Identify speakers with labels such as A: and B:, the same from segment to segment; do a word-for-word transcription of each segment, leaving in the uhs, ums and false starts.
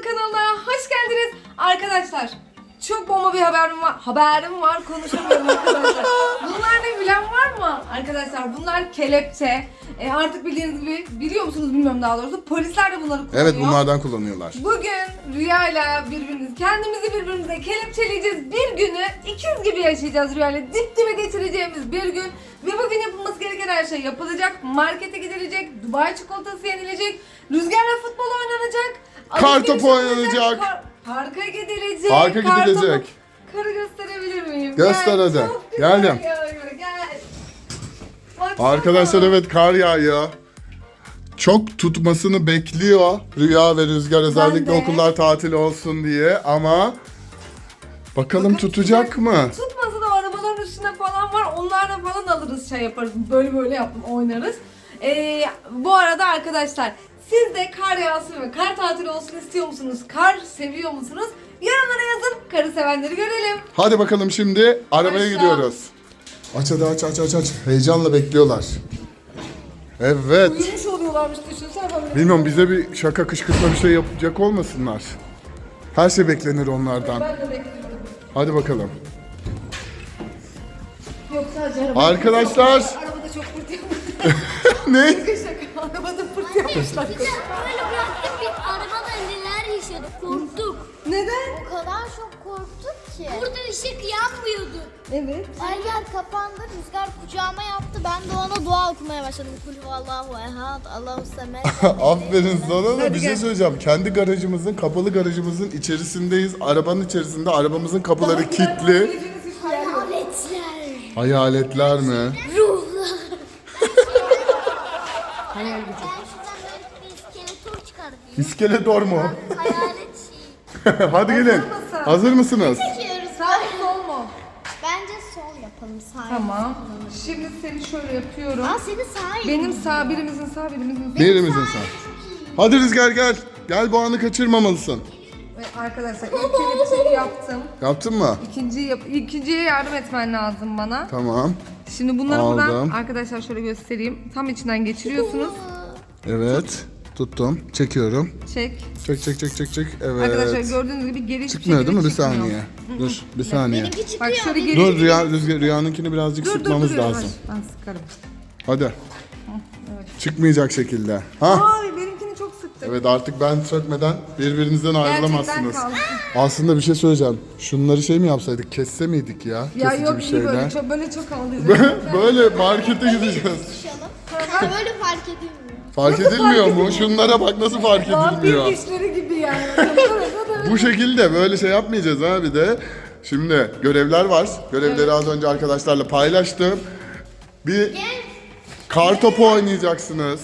A: kanalına hoş geldiniz. Arkadaşlar çok bomba bir haberim var. Haberim var konuşamıyorum arkadaşlar. Bunlar ne bilen var mı? Arkadaşlar bunlar kelepçe. E, artık bildiğiniz gibi biliyor musunuz bilmiyorum daha doğrusu. Polisler de bunları kullanıyor.
B: Evet bunlardan kullanıyorlar.
A: Bugün Rüya'yla birbirimiz kendimizi birbirimize kelepçeleyeceğiz. Bir günü ikiz gibi yaşayacağız Rüya'yla. Dip dibe geçireceğimiz bir gün. Ve bugün yapılması gereken her şey yapılacak. Markete gidilecek, Dubai çikolatası yenilecek, rüzgarla futbol oynanacak.
B: Kartopu
A: alışveriş
B: oynanacak.
A: Kar- parka gidilecek.
B: Parka
A: kartopu-
B: gidilecek.
A: Karı gösterebilir miyim?
B: Göster
A: Gel,
B: hadi.
A: çok güzel
B: Geldim.
A: yağıyor, Gel. Baksana.
B: Arkadaşlar evet kar yağıyor. Çok tutmasını bekliyor Rüya ve Rüzgar özellikle
A: de.
B: okullar tatil olsun diye ama bakalım tutacak mı?
A: Tutmasa da arabaların üstünde falan var. Onlarla falan alırız şey yaparız. Böyle böyle yapın oynarız. Ee, bu arada arkadaşlar siz de kar yağsın ve kar tatili olsun istiyor musunuz? Kar seviyor musunuz? Yorumlara yazın. Karı sevenleri görelim.
B: Hadi bakalım şimdi arabaya
A: Başla.
B: gidiyoruz. Aç hadi aç aç aç aç. Heyecanla bekliyorlar. Evet.
A: Uyumuş oluyorlarmış düşünsene böyle.
B: Bilmiyorum bize bir şaka kışkırtma bir şey yapacak olmasınlar. Her şey beklenir onlardan.
A: Ben de bekliyorum.
B: Hadi bakalım.
A: Yok sadece arabada.
B: Arkadaşlar.
A: Arabada çok pırt yapmışlar.
B: Ne?
A: Şaka. Arabada pırt yapmışlar.
C: Böyle bıraktık biz arabada neler yaşadık korktuk.
A: Neden?
C: O kadar çok korktuk ki. Burada ışık yanmıyordu.
A: Evet.
C: Her yer kapandı, Rüzgar kucağıma yaptı. Ben de ona dua okumaya başladım. Kul Allahu ehad, Allahu semed.
B: Aferin sana da
A: Hadi
B: bir şey
A: gel.
B: söyleyeceğim. Kendi garajımızın, kapalı garajımızın içerisindeyiz. Arabanın içerisinde arabamızın kapıları kilitli.
C: Hayaletler,
B: Hayaletler mi?
C: ruhlar.
A: Hayal gücü.
C: Ben şuradan böyle bir iskeletor çıkardım.
B: İskeletor mu?
C: Hayalet şey.
B: Hadi gelin.
A: mısın?
B: Hazır mısınız?
C: Çekiyoruz.
A: Sağ mı sol mu?
C: Bence sol yapalım sağ.
A: Tamam. Şimdi seni şöyle yapıyorum.
C: Aa senin sağ
A: Benim sağ birimizin sağ birimizin sağ.
B: Birimizin sağ. Hadi Rüzgar gel. Gel bu anı kaçırmamalısın.
A: Ve arkadaşlar ilk kelepçeyi yaptım.
B: Yaptın mı?
A: İkinciyi yap ikinciye yardım etmen lazım bana.
B: Tamam.
A: Şimdi bunları buradan
B: Aldım.
A: arkadaşlar şöyle göstereyim. Tam içinden geçiriyorsunuz.
B: Evet. Tuttum. Çekiyorum.
A: Çek.
B: Çek çek çek çek çek. Evet.
A: Arkadaşlar gördüğünüz gibi geri hiçbir
B: Çıkmıyor
A: şekilde
B: değil mi? Bir
A: çıkmıyor.
B: saniye. Dur bir saniye.
C: Benimki
A: Bak
C: çıkıyor.
A: şöyle geri
B: Dur Rüya, Rüzgar, Rüya'nınkini birazcık
A: Dur dur
B: sıkmamız
A: dur.
B: lazım.
A: Ben sıkarım.
B: Hadi. Çıkmayacak şekilde. Ha?
A: Ay benimkini çok sıktım.
B: Evet artık ben sökmeden birbirinizden ayrılamazsınız.
A: Gerçekten kaldı.
B: Aslında bir şey söyleyeceğim. Şunları şey mi yapsaydık? Kesse miydik ya?
A: Ya
B: Kesici
A: yok
B: bir
A: iyi
B: şeyle.
A: böyle çok böyle çok havalıyız.
B: Böyle markete gideceğiz.
C: Ha böyle fark edilmiyor.
B: Fark edilmiyor mu? Şunlara bak nasıl fark
A: Vampir
B: edilmiyor.
A: dişleri gibi yani.
B: Bu şekilde böyle şey yapmayacağız ha bir de. Şimdi görevler var. Görevleri az önce arkadaşlarla paylaştım. Bir kar topu oynayacaksınız.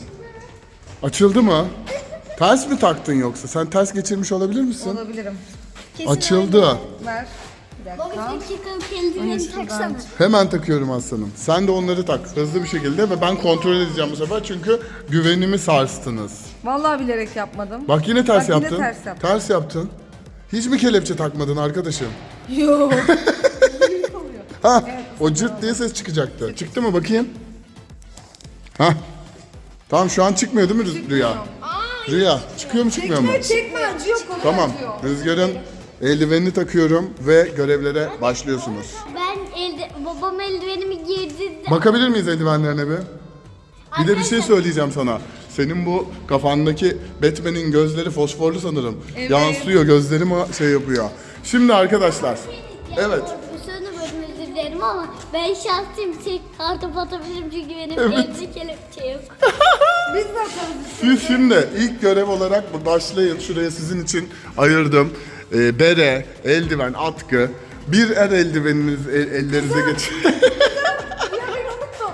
B: Açıldı mı? Ters mi taktın yoksa? Sen ters geçirmiş olabilir misin?
A: Olabilirim.
B: Açıldı.
A: Ver. Bir
C: Baba
A: dakika.
C: bir dakika kendini taksana.
B: Hemen takıyorum aslanım. Sen de onları tak hızlı bir şekilde ve ben kontrol edeceğim bu sefer çünkü güvenimi sarstınız.
A: Vallahi bilerek yapmadım.
B: Bak yine ters
A: Bak yine
B: yaptın.
A: ters yaptım.
B: Ters yaptın. Hiç mi kelepçe takmadın arkadaşım?
A: Yok.
B: Ha, o cırt diye ses çıkacaktı. Çıktı mı bakayım? Ha. Tamam şu an çıkmıyor değil mi Rü- Rüya? Rüya çıkıyor mu çıkmıyor mu?
A: Çekme çekme acıyor kolay
B: Tamam.
A: acıyor.
B: Rüzgar'ın eldivenini takıyorum ve görevlere başlıyorsunuz.
C: Ben elde, babam eldivenimi giydi.
B: Bakabilir miyiz eldivenlerine bir? Bir de bir şey söyleyeceğim sana. Senin bu kafandaki Batman'in gözleri fosforlu sanırım.
A: Evet.
B: Yansıyor, gözlerimi şey yapıyor. Şimdi arkadaşlar. Evet.
C: Bu sözünü bölüm özür dilerim ama ben şanslıyım. Tek kartop atabilirim çünkü benim elde kelepçe yok.
A: Biz de atarız.
B: Siz şimdi ilk görev olarak bu başlayın. Şuraya sizin için ayırdım. Ee, bere, eldiven, atkı. Bir el eldiveniniz el- ellerinize geçin.
A: Ya ben unuttum.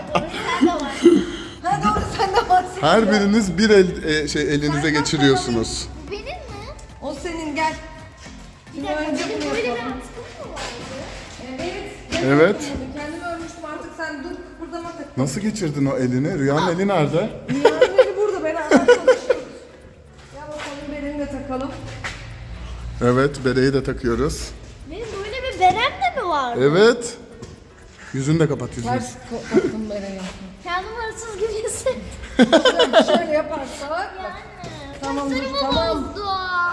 A: Ha doğru sen de varsın.
B: Her biriniz bir el e, şey elinize geçiriyorsunuz.
C: Bu benim mi?
A: O senin gel. Şimdi önce
C: Benim
A: bunu
C: böyle bir
A: yapalım.
C: atkım mı var?
A: Evet.
B: Evet.
A: Kendimi ölmüştüm artık sen dur kıpırdama tak.
B: Nasıl geçirdin o elini? Rüyanın eli nerede?
A: Dünyanın eli burada beraber çalışıyoruz. Ya bakalım belini de takalım.
B: Evet, bereyi de takıyoruz.
C: Benim böyle bir berem de mi var?
B: Evet. Yüzünü de kapat yüzünü.
A: Ters ko- taktım bereyi.
C: Kendim hırsız gibi hissettim.
A: Şöyle yaparsak. Bak. Tamam dur
C: Saçlarımı
A: tamam.
C: bozdu.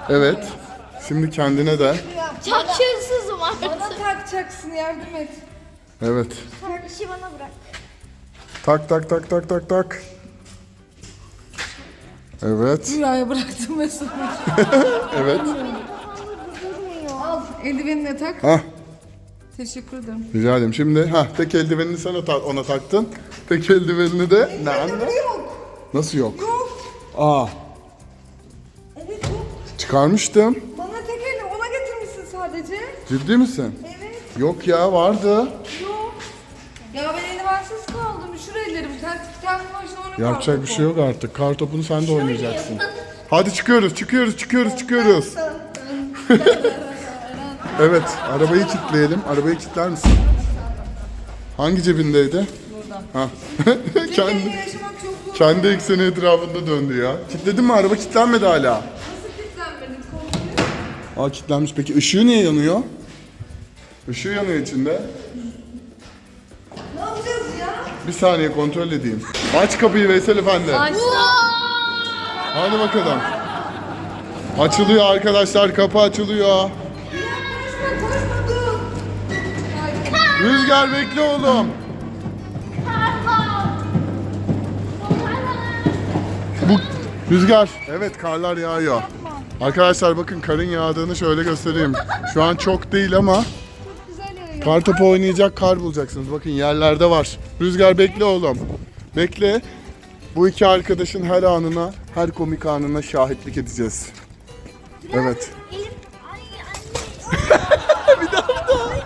B: Evet. Şimdi kendine de.
C: Çok şanssızım
A: Bana
C: artık.
A: takacaksın, yardım et.
B: Evet.
C: Sen işi bana bırak.
B: Tak tak tak tak tak tak. Evet.
A: Rüyaya bıraktım Mesut.
B: Evet.
A: Al eldivenine tak.
B: Hah.
A: Teşekkür ederim.
B: Rica ederim. Şimdi ha tek eldivenini sen ona, ona taktın. Tek eldivenini de ne anne?
A: Yok.
B: Nasıl yok?
A: Yok.
B: Aa,
A: Evet yok.
B: çıkarmıştım.
A: Bana tek elle ona getirmişsin sadece.
B: Ciddi misin?
A: Evet.
B: Yok ya, vardı.
A: Yok. Ya ben eldivensiz kaldım. Üşür ellerim. Sen kendi başına onu
B: Yapacak bir şey yok artık. Kar topunu sen de oynayacaksın. Hadi çıkıyoruz, çıkıyoruz, çıkıyoruz, çıkıyoruz. Evet, arabayı kilitleyelim. Arabayı kilitler misin? Hangi cebindeydi?
A: Burada.
B: Ha.
A: Tek
B: kendi,
A: elle yaşamak çok zor.
B: kendi ekseni etrafında döndü ya. Kilitledin mi? Araba kilitlenmedi hala.
A: Nasıl kilitlenmedin? Kontrolü.
B: Aa, kilitlenmiş. Peki ışığı niye yanıyor? Işığı yanıyor içinde.
A: Ne yapacağız ya?
B: Bir saniye kontrol edeyim. Aç kapıyı Veysel Efendi.
A: Açtım.
B: Hadi bakalım. Açılıyor arkadaşlar, kapı açılıyor.
A: Koşma koşma dur. Ay,
B: Rüzgar bekle oğlum. Bu Rüzgar. Evet, karlar yağıyor. Arkadaşlar bakın, karın yağdığını şöyle göstereyim. Şu an çok değil ama
A: güzel yağıyor.
B: kar topu oynayacak kar bulacaksınız. Bakın yerlerde var. Rüzgar bekle oğlum. Bekle. Bu iki arkadaşın her anına, her komik anına şahitlik edeceğiz. Evet.
C: Elim... Ay anne.
B: Bir daha, bir daha.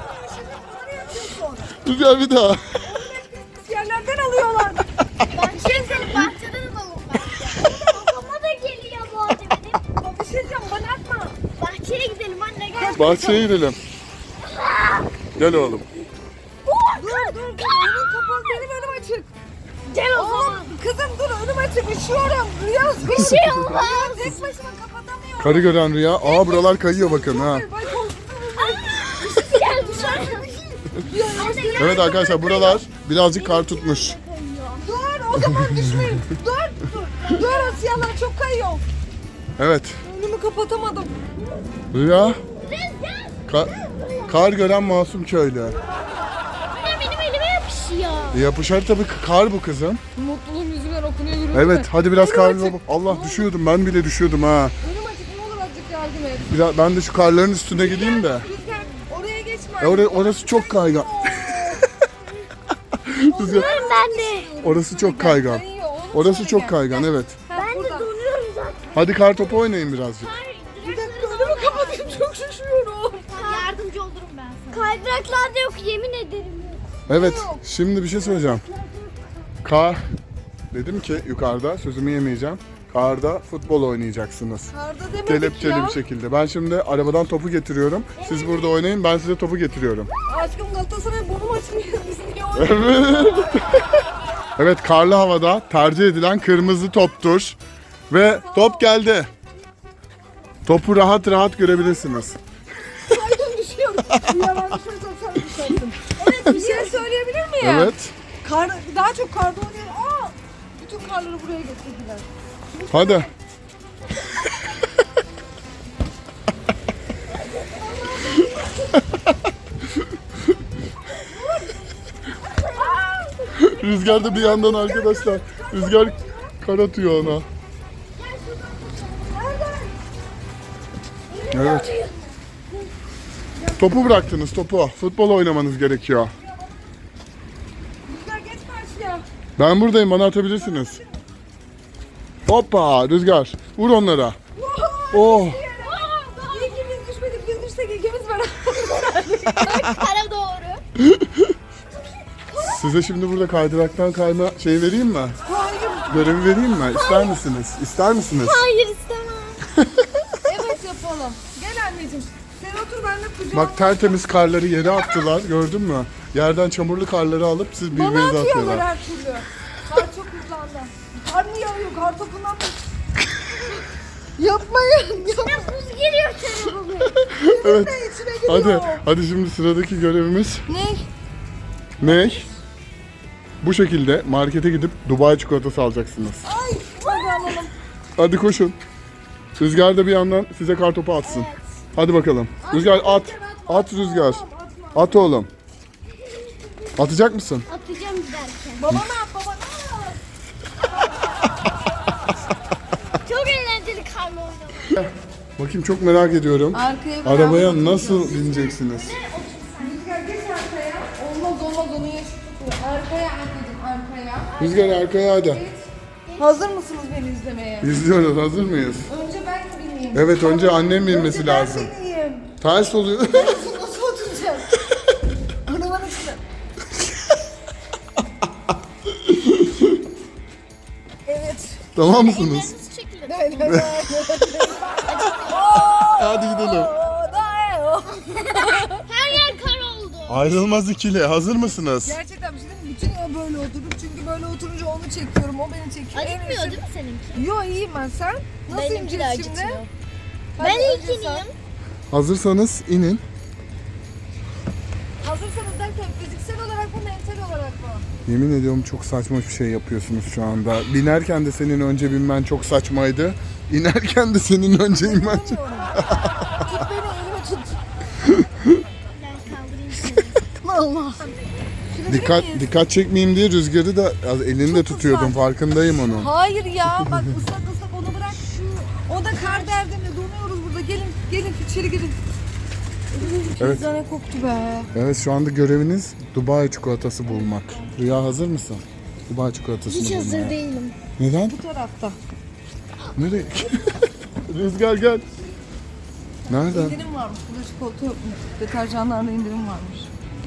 B: Rüzgar bir daha.
A: Yerlerden alıyorlar.
C: Bahçeye seni bahçeden alalım bence. Babama da geliyor bu arada benim.
A: Bir şey diyeceğim, bana atma.
C: Bahçeye gidelim anne gel.
B: Bahçeye gidelim. Gel oğlum.
A: Dur dur. Önüm kapalı, benim önüm açık.
C: Gel o zaman.
A: Oğlum kızım dur, önüm açık. Üşüyorum. Rüya
C: Bir şey olmaz.
A: tek başıma kapatamıyorum.
B: Karı gören Rüya. Aa, buralar kayıyor bakın ha.
A: Ay korktum.
C: Gel dışarı. Anne gel.
B: Evet arkadaşlar, buralar birazcık kar tutmuş.
A: Dur o zaman düşmeyin. Dur dur. Dur Asyalar çok kayıyor.
B: Evet.
A: Önümü kapatamadım.
B: Rüya.
C: Rüzgar.
B: Ka- kar gören masum köylü.
C: Anne benim elime yapışıyor.
B: E, yapışar tabii, kar bu kızım.
A: Mutluluğum yüzümden okunuyor yürüdü.
B: Evet, hadi biraz kar.
A: Önüm açık.
B: Allah, düşüyordum, ben bile düşüyordum ha.
A: Önüm açık, ne olur azıcık yardım et.
B: Biraz, ben de şu karların üstüne gideyim de.
A: Rüzgar oraya geçme.
B: E, or- orası çok kaygan. Rüzgar,
C: Ben de.
B: orası çok kaygan.
A: Kayıyor, oğlum
B: Orası
A: şöyle
B: çok
A: gel.
B: kaygan, evet.
A: Ha,
C: Ben de
A: buradan.
C: donuyorum zaten.
B: Hadi kar topu oynayın birazcık.
A: Bir dakika önümü kapatayım, çok şaşıyorum.
C: Yardımcı olurum ben sana. Kaydıraklar da yok yemin ederim yok.
B: Evet, şimdi bir şey söyleyeceğim. Kar, dedim ki yukarıda, sözümü yemeyeceğim. Karda futbol oynayacaksınız.
A: Karda demedik
B: Kelepçeli
A: ya.
B: bir şekilde. Ben şimdi arabadan topu getiriyorum. Siz burada oynayın, ben size topu getiriyorum.
A: Aşkım Galatasaray bonum açmıyor. Biz niye oynuyoruz?
B: Evet. Evet, karlı havada tercih edilen kırmızı toptur. Ve top geldi. Topu rahat rahat görebilirsiniz.
A: Kaydım düşüyorum. Yalan düşürsem sen düşersin. Evet bir şey söyleyebilir miyim?
B: Evet.
A: Kar, daha çok karda oynuyorum. Aa, bütün karları buraya getirdiler.
B: Hadi. Rüzgar da bir yandan arkadaşlar. Rüzgar kar atıyor ona. Evet. Topu bıraktınız, topu. Futbol oynamanız gerekiyor.
A: Rüzgar geç karşıya.
B: Ben buradayım, bana atabilirsiniz. Hoppa, Rüzgar. Vur onlara. Oh.
A: İyi ki biz düşmedik. Biz düşsek ikimiz beraber.
C: Kara doğru.
B: Size şimdi burada kaydıraktan kayma şeyi vereyim mi?
A: Hayır.
B: Görevi vereyim mi? İster misiniz? İster misiniz?
C: Hayır istemem.
A: Evet yapalım. Gel anneciğim. Sen otur ben de kucağıma.
B: Bak, tertemiz karları yere attılar, gördün mü? Yerden çamurlu karları alıp siz
A: Bana
B: birbirinize
A: atıyorlar
B: atıyorlar.
A: her türlü. Kar çok hızlandı. Kar mı yağıyor? Kar topundan mı? Yapmayın. Yapmayın.
C: Buz giriyor çorabıma.
B: Evet.
A: Ne içine giriyor?
B: Hadi, hadi şimdi sıradaki görevimiz
A: Ne?
B: ne? Bu şekilde markete gidip Dubai çikolatası alacaksınız.
A: Ay hadi alalım.
B: Hadi koşun. Rüzgar da bir yandan size kartopu atsın. Hadi bakalım. Rüzgar at. At Rüzgar. At oğlum. Atacak mısın?
C: Atacağım giderken.
A: Babana at babana at.
C: Çok eğlenceli karma oynamak.
B: Bakayım çok merak ediyorum.
A: Arkaya bir
B: Arabaya
A: araba
B: nasıl bineceksiniz?
A: Rüzgar geç arkaya. Olmaz olmaz onu yaşı tutuyor. Arkaya anneciğim arkaya.
B: Rüzgar arkaya hadi.
A: Hazır mısınız beni izlemeye?
B: İzliyoruz. Hazır mıyız?
A: Önce ben mi bineyim?
B: Evet önce annem binmesi
A: Önce ben
B: lazım.
A: bineyim.
B: Ters oluyor.
A: Nasıl oturacağız? Arabanın içinde. Evet.
B: Tamam mısınız?
C: Ellerinizi çekin.
A: Evet, evet.
B: Hadi gidelim.
C: Her yer kar oldu.
B: Ayrılmaz ikili. Hazır mısınız?
A: Gerçekten bir şey diyeyim mi? Bütün yıl böyle oturdum çünkü böyle oturunca onu çekiyorum, o beni çekiyor. En
C: Acıtmıyor
A: iyisi-
C: değil mi seninki?
A: Yo iyiyim ben, sen? Nasıl
C: Benimki de
A: ineceğiz şimdi?
C: acıtmıyor.
A: Hadi
C: Ben
A: önce
C: ilk
A: sen.
C: ineyim.
B: Hazırsanız inin.
A: Hazırsanız derken fiziksel olarak mı, mental olarak mı?
B: Yemin ediyorum çok saçma bir şey yapıyorsunuz şu anda. Binerken de senin önce binmen çok saçmaydı. İnerken de senin önce inmen çok...
A: Bilmiyorum. Tut beni, elimi tut.
C: Ben kaldırayım seni.
A: Allah.
B: Dikkat dikkat çekmeyeyim diye Rüzgar'ı da az elinde tutuyordum. Farkındayım onun.
A: Hayır ya, bak ıslak ıslak onu bırak şu. O da kar derdinde, donuyoruz burada. Gelin, gelin içeri girin.
B: Evet.
A: Pizzane koktu be.
B: Evet şu anda göreviniz Dubai çikolatası bulmak. Rüya hazır mısın? Dubai çikolatasını
C: Hiç
B: bulmaya.
C: hazır değilim.
B: Neden?
A: Bu tarafta.
B: Nereye? Rüzgar gel. Nerede?
A: İndirim varmış. Burada çikolata yokmuş. Deterjanlarda indirim varmış.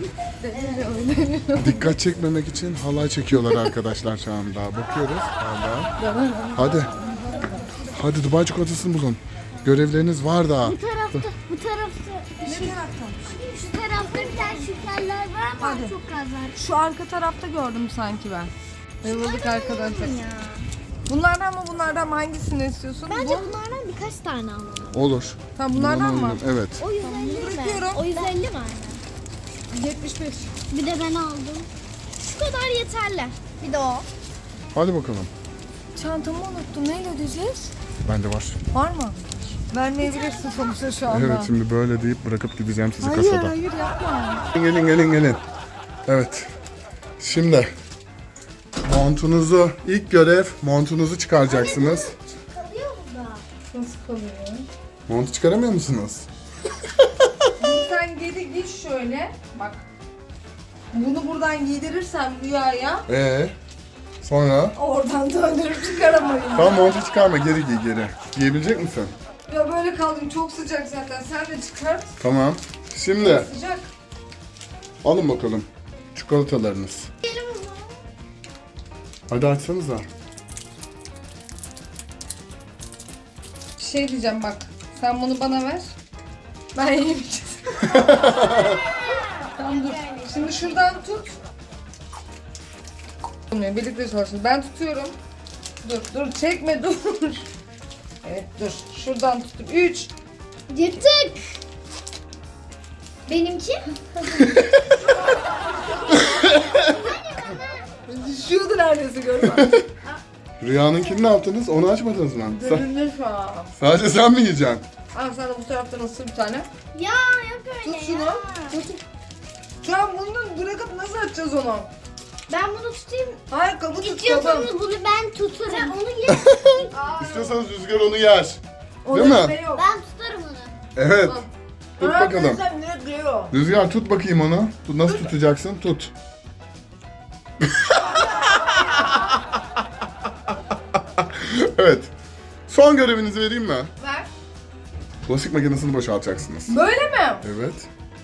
A: Öyle öyle.
B: Dikkat çekmemek için halay çekiyorlar arkadaşlar şu anda. Bakıyoruz hala. Hadi. Hadi Dubai çikolatasını bulun. Görevleriniz var daha.
C: Bu tarafta, bu tarafta.
A: Ne taraftan?
C: Şu tarafta bir tane şekerler var ama
A: Hadi.
C: çok az var.
A: Şu arka tarafta gördüm sanki ben. Eyvallah arkadaşlar.
C: Ya.
A: Bunlardan mı bunlardan mı hangisini istiyorsun?
C: Bence
A: Bu.
C: bunlardan birkaç tane alalım.
B: Olur.
A: Tamam bunlardan mı?
B: Evet.
C: O yüz elli mi?
A: bırakıyorum.
C: O yüz elli mi aynen?
A: yetmiş beş.
C: Bir de ben aldım. Şu kadar yeterli. Bir de o.
B: Hadi bakalım.
A: Çantamı unuttum. Neyle ödeyeceğiz?
B: Bende var.
A: Var mı? Vermeyebilirsin sonuçta şu anda.
B: Evet şimdi böyle deyip bırakıp gideceğim sizi
A: Hayır
B: kasada.
A: hayır yapma.
B: Gelin gelin gelin. Evet. Şimdi montunuzu ilk görev montunuzu çıkaracaksınız.
C: Kalıyor burada.
A: Nasıl kalıyor?
B: Montu çıkaramıyor musunuz?
A: Sen geri git şöyle. Bak. Bunu buradan giydirirsem Rüya'ya
B: Ee, sonra
A: oradan döndürüp çıkaramayın.
B: tamam montu çıkarma geri giy geri. Giyebilecek misin?
A: Ya böyle kaldım, çok sıcak zaten. Sen de çıkart.
B: Tamam. Şimdi
A: Sıcak.
B: alın bakalım çikolatalarınız.
C: Benim bunu.
B: Hadi açsanıza.
A: Bir şey diyeceğim bak. Sen bunu bana ver. Ben yemeyeceğim. Tamam dur. Şimdi şuradan tut. Birlikte çalışın. Ben tutuyorum. Dur dur çekme dur. Evet dur. Şuradan tutup üç.
C: Yırtık. Benimki?
A: Düşüyordu neredeyse görme.
B: Rüyanınkini ne yaptınız? Onu açmadınız mı? Sa-
A: Dönülür şu an.
B: sadece sen mi yiyeceksin?
A: Al sen de bu taraftan ısır bir tane.
C: Ya yok öyle
A: Tut şunu.
C: ya.
A: Tut. Şu an bunu bırakıp nasıl açacağız onu?
C: Ben bunu tutayım.
A: Hayır kabı tut kabı.
C: İstiyorsanız bunu ben tutarım. Sen onu ye.
B: İstiyorsanız Rüzgar onu yer.
A: O
B: Değil mi?
A: yüzme yok.
C: Ben tutarım onu.
B: Evet. Tut
A: Aa,
B: bakalım.
A: Sen direkt geliyor.
B: Rüzgar tut bakayım onu. Tut, nasıl tutacaksın? Tut. Evet. Son görevinizi vereyim mi?
A: Ver.
B: Bulaşık makinesini boşaltacaksınız.
A: Böyle mi?
B: Evet.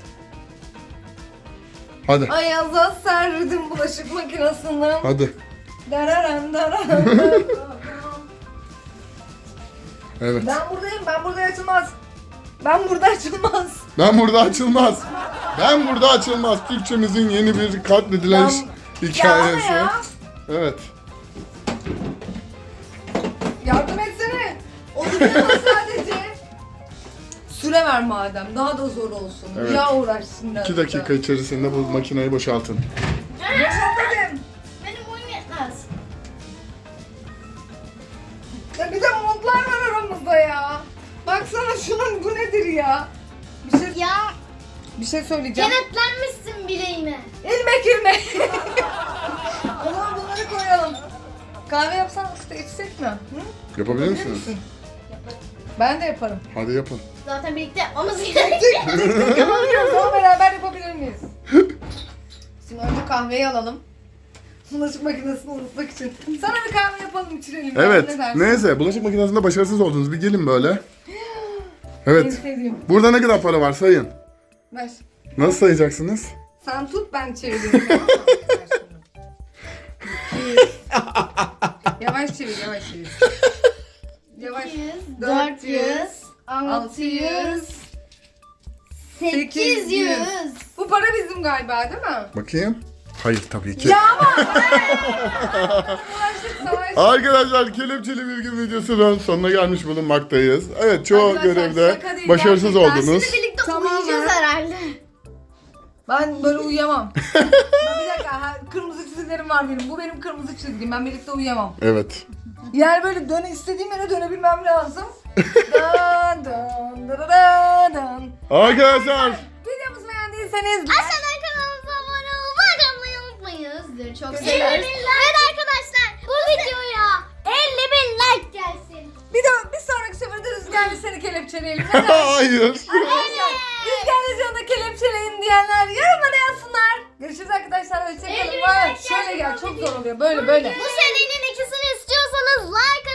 B: Hadi.
A: Ayaza serdim bulaşık makinesini.
B: Hadi.
A: Dararan dararan.
B: Evet.
A: Ben buradayım, ben burada açılmaz. Ben burada açılmaz.
B: Ben burada açılmaz. Ben burada açılmaz. Türkçemizin yeni bir katledilen
A: Ben-
B: hikayesi.
A: Ya ya.
B: Evet.
A: Yardım etsene. Oturuyor sadece. Süre ver madem, daha da zor olsun.
B: Evet.
A: Ya uğraşsın biraz.
B: iki dakika içerisinde bu makineyi boşaltın.
A: Boşalt dedim.
C: Benim boyum yetmez.
A: Ya bir de montlar var aramızda ya. ya. Baksana şunun, bu nedir ya? Bir şey,
C: Ya
A: bir şey söyleyeceğim.
C: kenetlenmişsin bileğime.
A: İlmek ilmek. O zaman bunları koyalım. Kahve yapsan işte içsek mi? Hı?
B: Yapabilir
A: Bilir
B: misiniz?
A: misin? Ben de yaparım.
B: Hadi yapın.
C: Zaten birlikte yapmamız gerekiyor.
A: Yapabiliyoruz ama beraber yapabilir miyiz? Şimdi önce kahveyi alalım. Bulaşık makinesini unutmak için. Sana bir kahve yapalım, içirelim.
B: Evet.
A: Ne dersin?
B: Neyse bulaşık makinesinde başarısız oldunuz. Bir gelin böyle.
A: En
B: Evet.
A: sevdiğim.
B: Burada ne kadar para var sayın.
A: Ver.
B: Nasıl sayacaksınız?
A: Sen tut, ben çevireyim. Yavaş çevir, yavaş çevir. Yavaş.
C: dört yüz, altı yüz, sekiz yüz.
A: Bu para bizim galiba, değil mi?
B: Bakayım. Hayır tabii ki.
A: Ya ama! Uğraştık, savaş.
B: Arkadaşlar kelepçeli bir gün videosunun sonuna gelmiş bulunmaktayız. Evet çoğu
A: Arkadaşlar,
B: görevde
A: şaka değil,
B: başarısız
A: gerçekten.
B: oldunuz.
C: Şimdi birlikte
A: Tamam
C: uyuyacağız
A: ya.
C: herhalde.
A: Ben böyle uyuyamam. Ben bir dakika, ha, kırmızı çizgilerim var benim. Bu benim kırmızı çizgim. Ben birlikte uyuyamam.
B: Evet.
A: Yani böyle döne istediğim yere dönebilmem lazım. Dan dan dan dan dan.
B: Arkadaşlar
A: Videomuzu beğendiyseniz
C: Aşağıdan kanalımıza abone olmayı, abone olmayı unutmayın. Çok
A: Görüşürüz.
C: seviyoruz. Evet arkadaşlar bu videoya elli bin like gelsin.
A: bir de bir sonraki seferde Rüzgar'la seni kelepçeleyelim. Ne dersin?
B: hayır.
A: Arkadaşlar Rüzgar'la canı kelepçeleyin diyenler yorumlara yazsınlar. Görüşürüz arkadaşlar. Hoşçakalın.
C: elli bin
A: Vay,
C: like
A: şöyle
C: gelsin
A: gel.
C: bu
A: Çok
C: video.
A: zor oluyor. Böyle böyle.
C: Bu serinin ikisini istiyorsanız like